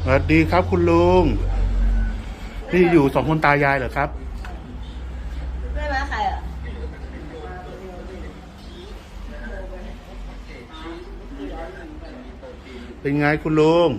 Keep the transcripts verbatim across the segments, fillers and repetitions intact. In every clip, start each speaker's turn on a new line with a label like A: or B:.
A: วัสดีครับคุณลุงนี่อยู่สองคนตายายเหรอครับ
B: ไม่มาใครอ่ะ
A: เป็นไงคุณลุง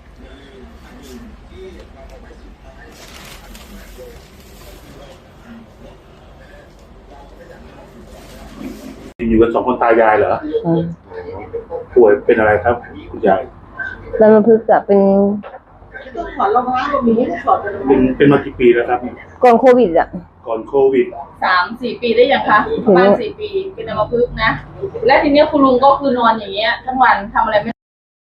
A: อยู่กันสองคนตายายเหรอป่วยเป็นอะไรครับคุณยาย
B: มันมาพึกษ์อะเป็นต้องถอดรองเท้าก็มีไม่ได้ถอด
A: เป็นเป็นมากี่ปีแล้วครับ
B: ก่อนโควิดอะ
A: ก่อนโควิด
C: สามสี่ปีได้ยังคะประมาณสี่ปีเป็นอัมพฤกษ์นะและทีนี้คุณลุงก็คือนอนอย่างเงี้ยทั้งวันทำอะไรไม่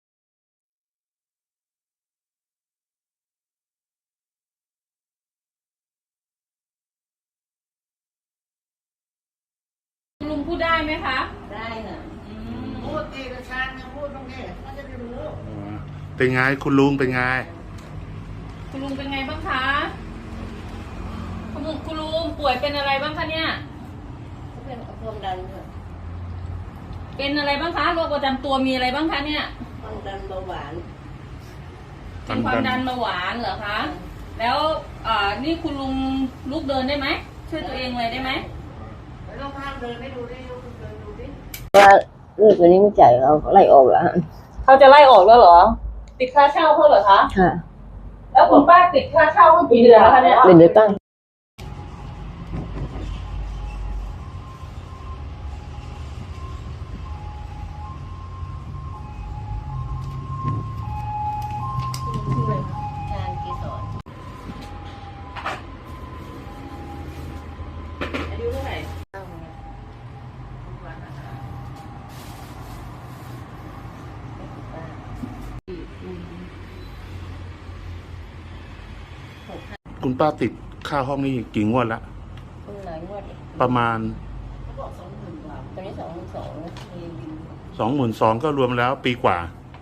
C: ลุงพูดได้ไหมคะ
B: ได้ค่ะ
C: พูดเอกชาญนะพูดตรงนี้เขาจะได้รู้
A: เป็นไงคุณลุงเป็นไง
C: คุณลุงเป็นไงบ้างคะคุณลุงคุณลุงป่วยเป็นอะไรบ้างคะเนี่ย
B: เป็นความดันค่ะ
C: เป็นอะไรบ้างคะโรคประจำตัวมีอะไรบ้างคะเนี่ย
B: ความดันเบาหวาน
C: เป็นความดันเบาหวานเหรอคะแล้วอ่านี่คุณลุงลุกเดินได้ไหมช่วยตัวเองเลยได้ไหม
B: ลองพาเดินให้ดูดิลุกเดินดูดิว่าเรื่องตัวนี้ไม่จ่ายเขาไล่ออกแล้ว
C: เขาจะไล่ออกแล้วเหรอติดค่าเช่าเขาเหรอคะ
B: ค่ะ
C: แล้วคุณป้าติดค่าเช่าเมื่อกี่เดือนแล้วคะเนี่ย
B: เป็นเดือนตั้งงานกี่สอน
C: อายุเท่าไหร่
A: คุณป้าติดค่าห้องนี่กี่งวดละ
B: หลายงวด
A: ประมาณ
B: สองหมื่นกว่าตอนนี้สองหมื่นสอง
A: สองหมื่นสองก็รวมแล้วปีกว่า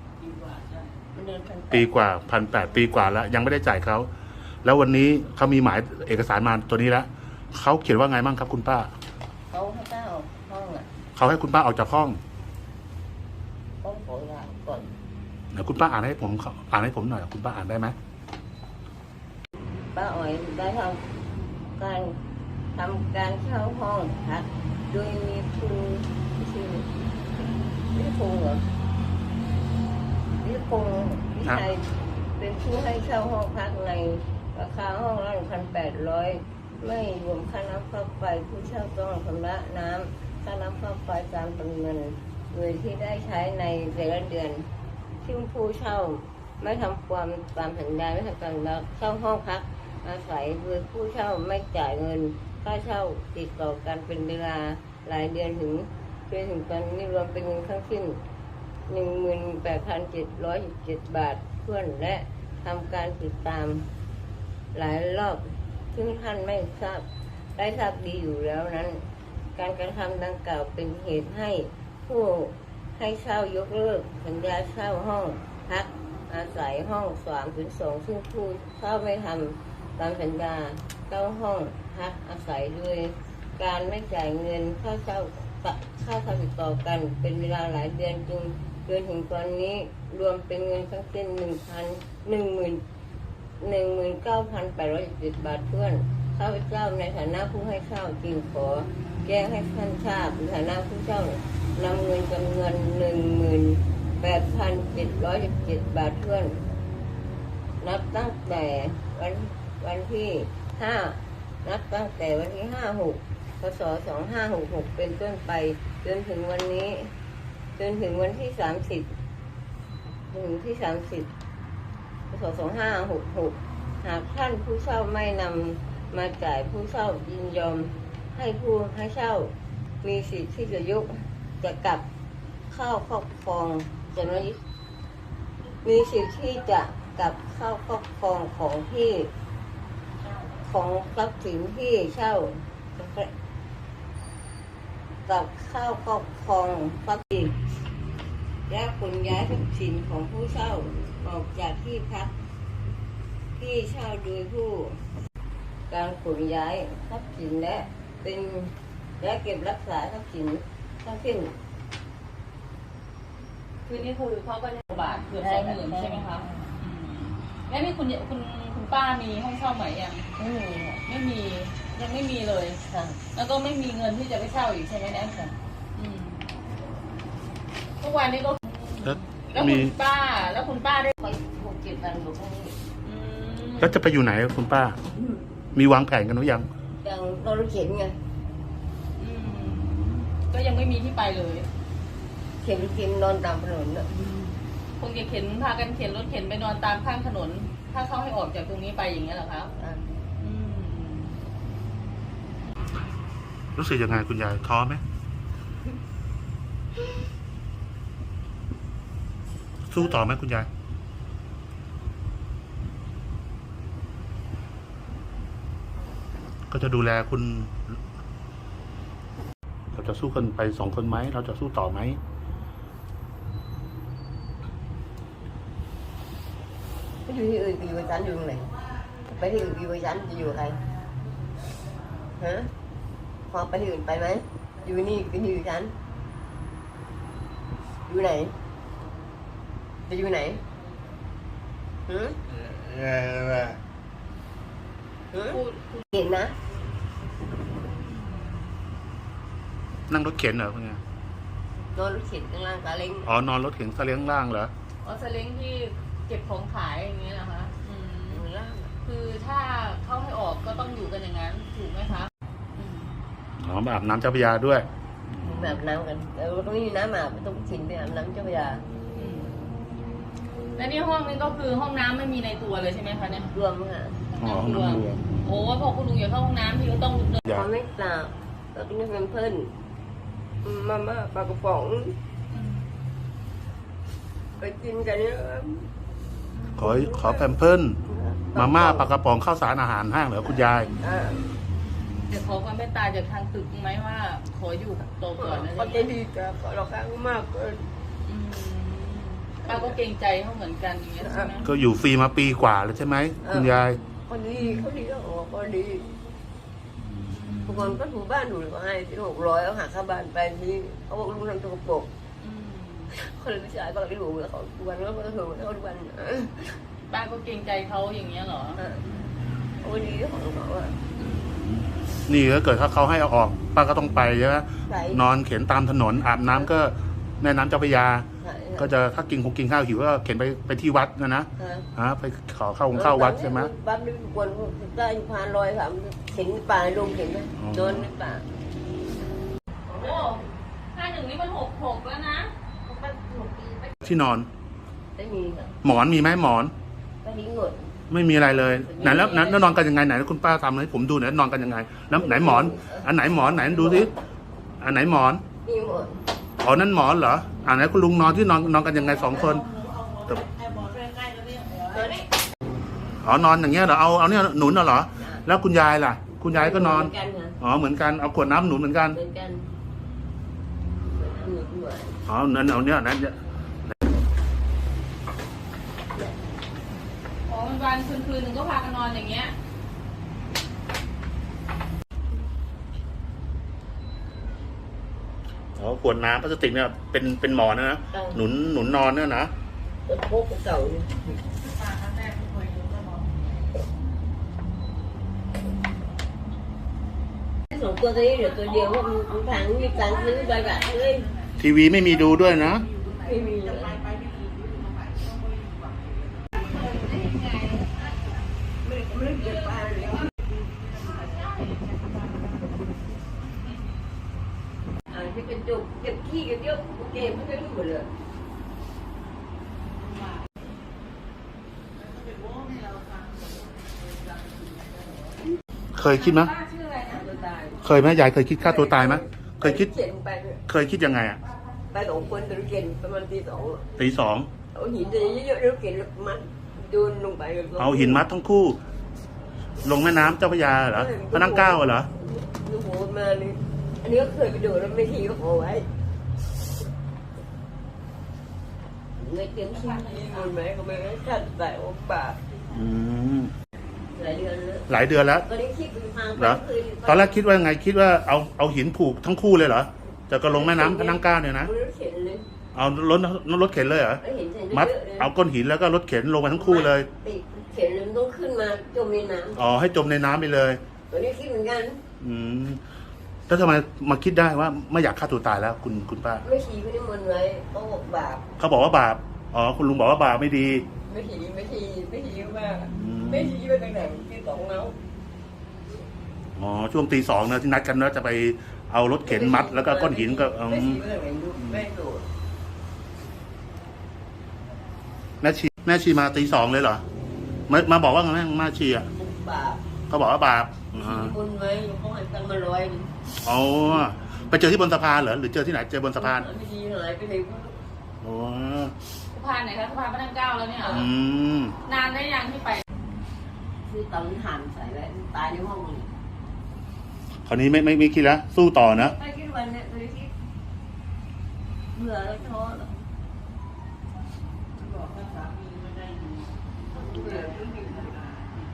A: ปีกว่าพันแปดปีกว่าแล้วยังไม่ได้จ่ายเขาแล้ววันนี้เขามีหมายเอกสารมาตัวนี้แล้วเขาเขียนว่าไงบ้างครับคุณป้า
B: เขาให้ป้าออกห้องอ่ะ
A: เขาให้คุณป้าออกจากห้อง
B: ต้องขอลาก่อน
A: เดี๋ยวคุณป้าอ่านให้ผมอ่านให้ผมหน่อยคุณป้าอ่านได้ไหม
B: ป้าอ๋อยได้ทำการทำการเช่าห้องพักโดยมีคุณชื่อวิพงษ์เหรอวิพงษ์วิชัยเป็นผู้ให้เช่าห้องพักในราคาห้องละหนึ่งพันแปดร้อยไม่รวมค่าน้ำค่าไฟผู้เช่าต้องชำระน้ำค่าน้ำค่าไฟตามจำนวนโดยที่ได้ใช้ในแต่ละเดือนที่ผู้เช่าไม่ทำความตามสัญญาไม่ทำการเช่าห้องพักอาศัยโดยผู้เช่าไม่จ่ายเงินค่าเช่าติดต่อกันเป็นเวลาหลายเดือนถึงจนถึงตอนนี้รวมเป็นเงินทั้งสิ้นหนึ่งหมื่นแปดพันเจ็ดร้อยสิบเจ็ดบาทเพื่อนและทำการติดตามหลายรอบซึ่งท่านไม่ทราบได้ทราบดีอยู่แล้วนั้นการกระทำดังกล่าวเป็นเหตุให้ผู้ให้เช่ายกเลิกสัญญาเช่าห้องพักอาศัยห้องสามถึงสองซึ่งผู้เช่าไม่ทำตามสัญญาเช่าห้องพักอาศัยโดยการไม่จ่ายเงินค่าเช่าค่าเช่าติดต่อกันเป็นเวลาหลายเดือนจึงจนถึงตอนนี้รวมเป็นเงินทั้งสิ้นหนึ่งพันหนึ่งหมื่นหนึ่งหมื่นเก้าพันแปดร้อยสิบบาทเพื่อนข้าพเจ้าในฐานะผู้ให้เช่าจึงขอแจ้งให้ท่านทราบในฐานะผู้เช่านำเงินจำนวนหนึ่งหมื่นแปดพันเจ็ดร้อยสิบเจ็ดบาทเพื่อนนับตั้งแต่วันวันที่ห้านับตั้งแต่วันที่ห้าหกพศสองห้าหกหกเป็นต้นไปจนถึงวันนี้จนถึงวันที่สามสิบถึงที่สามสิบพศสองห้าหกหกหากท่านผู้เช่าไม่นำมาจ่ายผู้เช่ายินยอมให้ผู้ให้เช่ามีสิทธิ์ที่จะยกจะกลับเข้าครอบครองจะไม่มีสิทธิ์ที่จะกลับเข้าครอบครองของที่ของทรัพย์สินที่เช่ากับเข้าครอบครองทรัพย์สินและขนย้ายทรัพย์สินของผู้เช่าออกจากที่พักที่เช่าโดยผู้การขนย้ายทรัพย์สินและเป็นและเก็บรักษาทรัพย์สินทั้งสิ้น
C: คือนี่คือเขาก็บาทเกือบสองหมื่นใช่ไหมคะแล้วนี่คุณคุณคุณป้ามีห้องเช่าใหม่ยัง
B: ไม่มีค่ะ
C: ไม่มียังไม่มีเลย
B: ค่ะ
C: แล้วก็ไม่มีเงินที่จะไปเช่าอีกใช่ไหมเนี่ย
B: ค่ะ
C: อืมทุกวันนี้ก็
A: แล้ว
C: แล้ว
A: มี
C: คุณป้า แล้วคุณป้าได้
B: ไปหกเจ็ดวันอยู่ข้างนี้
C: อืม
A: แล้วจะไปอยู่ไหนคุณป้า มีวางแผนกันหรือยัง
B: ยังรถเข็นไง
C: อืมก็ยังไม่มีที่ไปเลย
B: เข็นเข็นนอนตามถนนน่ะ
C: คงจะเข็นพากันเข็นรถเข็นไปนอนตามข้างถนน ถ้าเขาให้ออกจากตรงนี้ไปอย่างเงี้ยเหรอครับ
B: อ่ะ
C: อืม
A: รู้สึกยังไงคุณยายท้อไหมสู้ต่อไหมคุณยายก็จะดูแลคุณ เราจะสู้กันไปสองคนไหมเราจะสู้ต่อไหม
B: ไปอยู่ที่อื่นไปอยู่กับฉันอยู่ตรงไหนไปที่อื่นไปอยู่กับฉันจะอยู่กับใครฮะพอไปที่อื่นไปไหมอยู่นี่ก็อยู่กับฉันอยู่ไหนจะอยู่ไหนหืมหืม
C: พูดพูด
B: เห็นนะ
A: นั่งรถเข็นเหรอคุณยาย
B: นอนรถเข็นข้างล่างซาเล้ง
A: อ๋อนอนรถเข็นซาเล้งล่างเหรอ
C: อ๋อสเล้งที่เก็บของขายอย่างเงี้ยนะคะอืม
B: ข้างล่าง
C: คือถ้าเขาให้ออกก็ต้องอยู่กันอย่างนั้นถูกไหมคะอืม
A: อ๋อมาอาบน้ำเจ้าพระยาด้วย
B: มาอาบน้ำกันแล้วตรงนี้มีน้ำอาบไม่ต้องชินไปอาบน้ำเจ้าพระยา
C: อืมและนี่ห้องนี้ก็คือห้องน้ำไม่มีในตัวเลยใช่ไหมคะเนี่ย
B: รวมค่ะ
A: อ๋อห้องน้ำรวม
C: โอ้พอคุณลุงอยากเข้าห้องน้ำพี่ก็ต้องเดิน
A: อยา
B: พอก ไม่เปล่าแล้วก็นี่เป็นเพื่อนมาม่าปลากระป๋อง
C: อืม
B: ไปกินกันเนี่ย
A: ขอขอแพมเพิร์สมาม่าปลากระป๋องข้าวสารอาหารห้างเหรอคุณยาย
B: อ่า
C: จะขอความเมตตาจากทางตึกไหมว่าขออยู่โตก่อนนะ
B: เขาจะดีกับเราข้างมากเกิน
C: อืมป้าก็เกรงใจเขาเหมือนกันอย่างเงี้ยใช่ไหม
A: ก็อยู่ฟรีมาปีกว่าแล้วใช่ไหมคุณยาย
B: คนดีเขาดีก็บอกเขาดีทุกคนก็ถูบ้านถูก็ให้ที่หกร้อยเอาหักค่าบ้านไปนี่เขาบอกลุงทำตัวกระปก
C: อืม
B: คนเลยไม่ใช่ก็ไม่รู้แล้วเขาทุกวันก็เขาถูเขาทุกวัน
C: ป้าก็เกรงใจเขาอย่างเงี้ยเหรอ
B: เขาดีของเขาอ่ะ
A: นี่ถ้าเกิดถ้าเขาให้เอาออกป้าก็ต้องไปใช่ไหม
B: ใส่
A: นอนเข็นตามถนนอาบน้ำก็แม่น้ำเจ้าพระยา
B: ใส่
A: ก็จะถ้ากินคงกินข้าวหิวก็เข็นไปไปที่วัดนะนะ
B: ฮะ
A: ฮะไปขอเข้าของเข้าวัดใช่ไหม
B: บ้านนี่ควรได้พานลอยสามเห็นป่าลงเห็นไหม
A: อ๋อ
B: โดนในป่า
C: โอ้ห้าหนึ่งนี่มันหกหกแล้วนะ
A: ที่นอน
B: ไม่มีค่ะ
A: หมอนมีไหมหมอน
B: ก็ทิ้งหมด
A: ไม่มีอะไรเลยไหนแล้วไหนแล้วนอนกันยังไงไหนคุณป้าทำให้ผมดูหน่อยนอนกันยังไงแล้วไหนหมอน อันไหนหมอนไหนดูสิอันไหนหมอน
B: มีหมด
A: อ๋อนั่นหมอนเหรออ่าไหนคุณลุงนอนที่นอนนอนกันยังไงสองคนอ๋อนอนอย่างเงี้ยเหรอเอาเอาเนี่ยหนุนเหรอแล้วคุณยายล่ะ คุณยายก็นอน
B: เหมือนกันค่ะ
A: อ๋อเหมือนกันเอาขวดน้ำหนุนเหมือนกัน
B: เหมือนกันเหมือนกัน
A: อ๋อนั่นเอาเนี่ยนั่น
C: อ๋อวันวันคืนคืนหนึ่งก็พากันนอนอย่างเงี้ย
A: อ๋อขวดน้ำพลาสติกเนี่ยเป็นเป็นหมอนนะนะหนุนหนุนนอนเนี่ยนะ
B: จะโคกเก่าเนี่ย
C: ป้าครั้งแรกที่เคยดูก็นอน
B: สองตัวนี้เดี๋ยวตัวเดียวว่ามันทางมีการซื้อใบแบบเลย
A: ทีวีไม่มีดูด้วยนะ
B: ไม่มีเลยไม่เก็บปลาเลยอ่าที่เป็นจุกเก็บขี้เก็บเยอะเก็บไม่ได้รู้หมดเลย
A: เคยคิดไหม
C: ป้าชื่ออะไรนะ
B: ตัวตาย
A: เคยไหมยายเคยคิดฆ่าตัวตายไหมเคยคิด
B: เขียนไปเนี่ย
A: เคยคิดยังไงอ่ะ
B: ไปสองคนตะลุเกนประมาณตีสอง
A: ตีสอง
B: เอาหินเยอะๆตะลุเกนมันโยนลงไป
A: เอาหินมัดทั้งคู่ ลงแม่น้ำเจ้าพระยาเหรอพระนั่งเกล้าเหรอ
B: ลูกโหมาเลยอันนี้ก็เคยไปโดดแล้วไม่ทีก็ขอไว้เงินเต็มที่คนไหมก็ไม่ได้ขัดใส่อกปาก
A: อืม
B: หลายเดือนแล้ว
A: หลายเดือนแล้ว
B: ตอนนี้คิดเป็นทาง
A: เหรอตอนแรกคิดว่าไงคิดว่าเอาเอาหินผูกทั้งคู่เลยเหรอจะก็ลงแม่น้ำพระนั่งเกล้าเนี่ยนะ
B: รถเข็นเลย
A: เอารถรถเข็นเลยเหรอ
B: แล้วเห็นใส่
A: มัด
B: เยอะเลย
A: เอาก้อนหินแล้วก็รถเข็นลงมาทั้งคู่เลย
B: ติดเข็นมันต้องขึ้นมาจมในน้
A: อ๋อให้จมในน้ำไปเลย
B: ำตัวนี้คิดเหมือนกัน
A: อืมแล้วทำไมมาคิดได้ว่าไม่อยากฆ่าตัวตายแล้ว คุณคุณป้า
B: ไม่ชีไม่ได้มนต์ไว้เขาบอกบาป
A: เขาบอกว่าบาปอ๋อคุณลุงบอกว่าบาปไม่ดี
B: ไม่ชีไม่ชีไม่ชีมาก
A: อืม
B: ไม่ชีไปตั้งแต่ที่สองแล้ว
A: อ๋อช่วงตีสองนะที่นัดกันว่าจะไปเอารถเข็นมัด แล้วก็ก้อนหินก็อื
B: ไม่ชี
A: ม
B: ไปตั้งแต่ลูกไม่โดด
A: แม่ชีแม่ชีมาตีสองเลยเหรอมามาบอกว่าไงแม่แม่ชีอ่ะ
B: บาป
A: เขาบอกว่าบาปอ๋อ
B: มนต์ไว้เขาให้ตังค์มาร้อยหนึ่ง
A: อ๋อไปเจอที่บนสะพานเหรอหรือเจอที่ไหนเจอบนสะพาน
B: ไม่ชีหายไปเลย
A: โอ้
C: สะพานไหนคะสะพานพระนั่งเกล้าแล้วเนี่ยเหรอ
A: อืม
C: นานได้ยังที่ไป
B: คือตอนนี้หันใส่ไว้ตายในห้องเลย
A: คราวนี้ไม่ไม่ไม่คิดแล้วสู้ต่อนะ
B: ไม่คิดวันเนี้ยตัวนี้คิดเบื่อแล้วท้อแล้วบอกว่าสามีไม่ได้ดีเบื่อที่มีปัญหา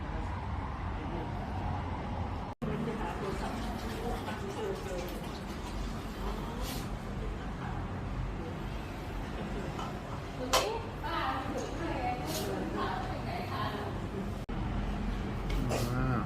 A: อ่า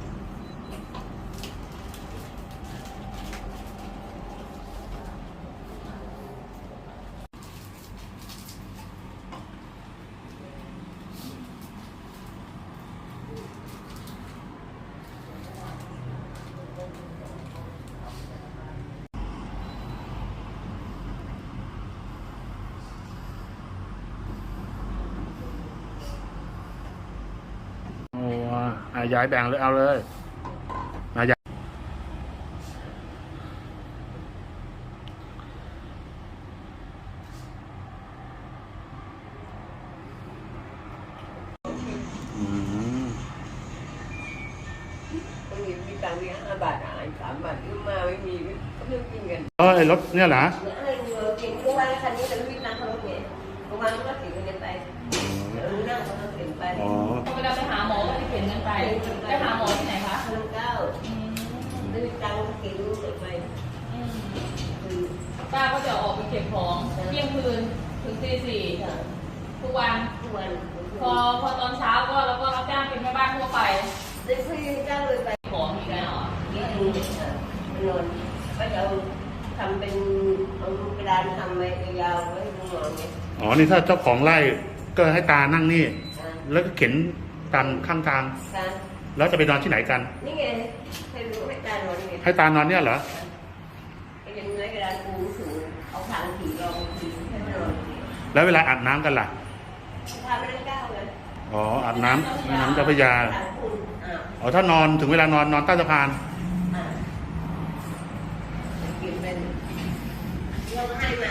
A: โอ้อ่ะย้ายแบ่งเลยเอาเลยมาย้ายอืม
B: บางทีมีตังค์มีห้าบาทอ่านสามบาทขึ้นมาไม่มีก็เพิ่งกินกัน
A: เออไอ้รถเนี่ยเหรอ
B: แล้วให้เงินกินทุกวันคันนี้แต่ไม่มีตังค์เขาเสียทุกวันก็เสียเงินไปรู้นั่งเขาเสียไป
A: อ๋อ
C: เวลาไปหาหมอก็ไปเข็นกันไปไปหาหมอที่ไหนคะ
B: พันเก้า
C: อืม
B: ไม่มีตังค์กินเสียไป
C: อืม
B: คือ
C: ป้าก็จะออกไปเก็บของเที่ยงคืนถึงตีสี่ทุกวัน
B: ทุกวัน
C: พอพอตอนเช้าก็เราก็รับจ้างเป็นแม่บ้านทั่วไป
B: ได้คุยเจ้าเลยไป
C: ของอีกแล้วเหรอ
B: นี่ดูนอนก็จะเอาทำเป็นเอากระดานทำไว้ยาวไว้ให้ลูกนอนเนี่ย
A: อ๋อ นี่ถ้าเจ้าของไร่ก็ให้ตานั่งนี่
B: อ่า
A: แล้วก็เข็นตามข้างทาง
B: การ
A: แล้วจะไปนอนที่ไหนกัน
B: นี่ไงให้รู้ให้การนอนไง
A: ให้ตานอนเนี่ยเหรอ
B: ก็ยังไงกระดานปูสูงเอาทางผีรองผีให้มันนอน
A: แล้วเวลาอาบน้ำกันล่ะ
B: พาไปนั่งก้าวเลย
A: อ๋อ อาบน้ำแม่น้ำเจ้าพระยา
B: ทางปูอ่า
A: อ๋อ ถ้านอนถึงเวลานอนนอนใต้สะพาน
B: อ่ากินเป็นเราให้มา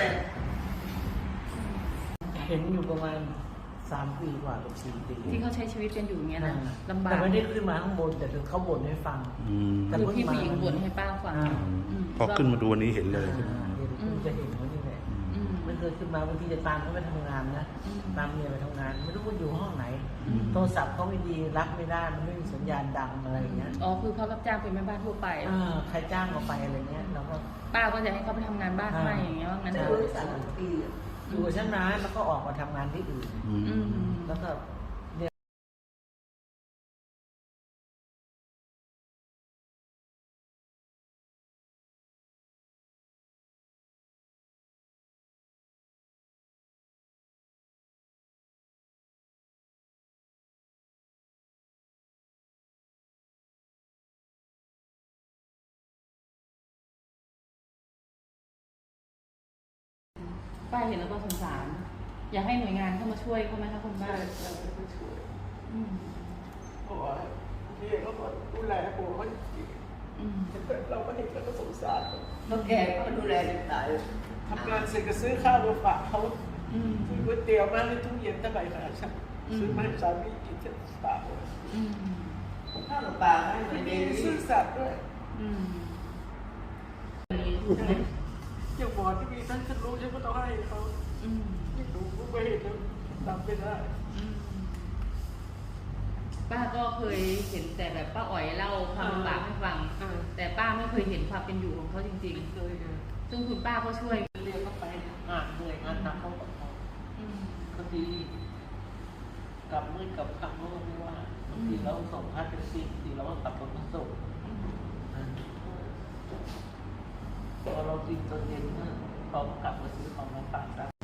D: เห็นอยู่ประมาณสามปีกว่ากับสี่ปี
C: ที่เขาใช้ชีวิตกันอยู่อย่างเงี้ยนะลำบาก
D: แต่ไม่ได้ขึ้นมาข้างบนแต่ถึงเขาบ่นให้ฟัง
A: อืม
D: แต่
C: คือพี่ผู้หญิงบ่นให้ป้าฟัง
D: อ่า
C: ม
A: พอขึ้นมาดูวันนี้เห็นเลย
D: อ่าเห็นคุณจะเห็นเขานี่แหละ
C: อืม
D: ไม่เคยขึ้นมาบางทีจะตามเขาไปทำงานนะ
C: อืม
D: ตามเมียไปทำงาน ไม่รู้ว่าอยู่ห้องไหน
C: อืม
D: โทรศัพท์เขาไม่ดีรับไม่ได้มันไม่มีสัญญาณดังอะไรอย่างเงี้ย
C: อ๋อคือเขารับจ้างเป็นแม่บ้านทั่วไป
D: อ่าใครจ้างเขาไปอะไรเงี้ยเราก็
C: ป้าก็จะให้เขาไปทำงานบ้านให้อย่างเงี้ยว่างั้น
B: จะ
C: เถ
B: รู้
C: อะ
B: สามปี
D: อยู่กับฉันนะแล้วก็ออกมาทำงานที่อื่น
A: อื
C: อื
A: ม
C: ม
D: แล้วก็เนี่ย
C: ป้าเห็นแล้วก็สงสาร อยากให้หน่วยงานเข้ามาช่วยเขาไหมคะคุณป้าอืม
E: เพราะว่าพี่เขาก็ดูแลผมเขาจริง
C: อืม
E: ๆเราก็เห็นแล้วก็สงสาร
B: แล้วแกก็ดูแลเด็กตาย
E: ทำงานเสร็จก็ซื้อข้าวมาฝากเขา
C: อืม
E: ซื้อก๋วยเตี๋ยวมาในตู้เย็นตะไบขนาดฉัน
C: อืม
E: ซื้อมาให้สามีกินฉันฝากเลย
C: อืม
B: ข้าวกับปลาให้มา
E: มี
B: เด็ก
E: ซื่อสัตย์ด้วย
C: อืม
E: อย่างหมอที่มีท่านฉันรู้ฉันก็ต้องให้เขา
C: อืม
E: ไม่รู้ก็ไม่เห็นแล้วทำไม่ได้
C: อืมป้าก็เคยเห็นแต่แบบป้าอ๋อยเล่าความลำบากให้ฟัง
E: อ่า
C: แต่ป้าไม่เคยเห็นความเป็นอยู่ของเขาจริง
E: เคยอ่ะ
C: ๆ ซึ่งคุณป้าก็ช่วย
E: เรียนเข้าไป
D: อ่านเหนื่อยงานหนักเขาก็
C: อืม
D: ก็ดีกลับมืดกลับค่ำก็ไม่ว่าบางทีเราส่งค่าแท็กซี่บางทีเราก็ขับรถมาส่งพอเรากินจนเย็นเนี่ยเขาก็กลับมาซื้อของมาฝากกัน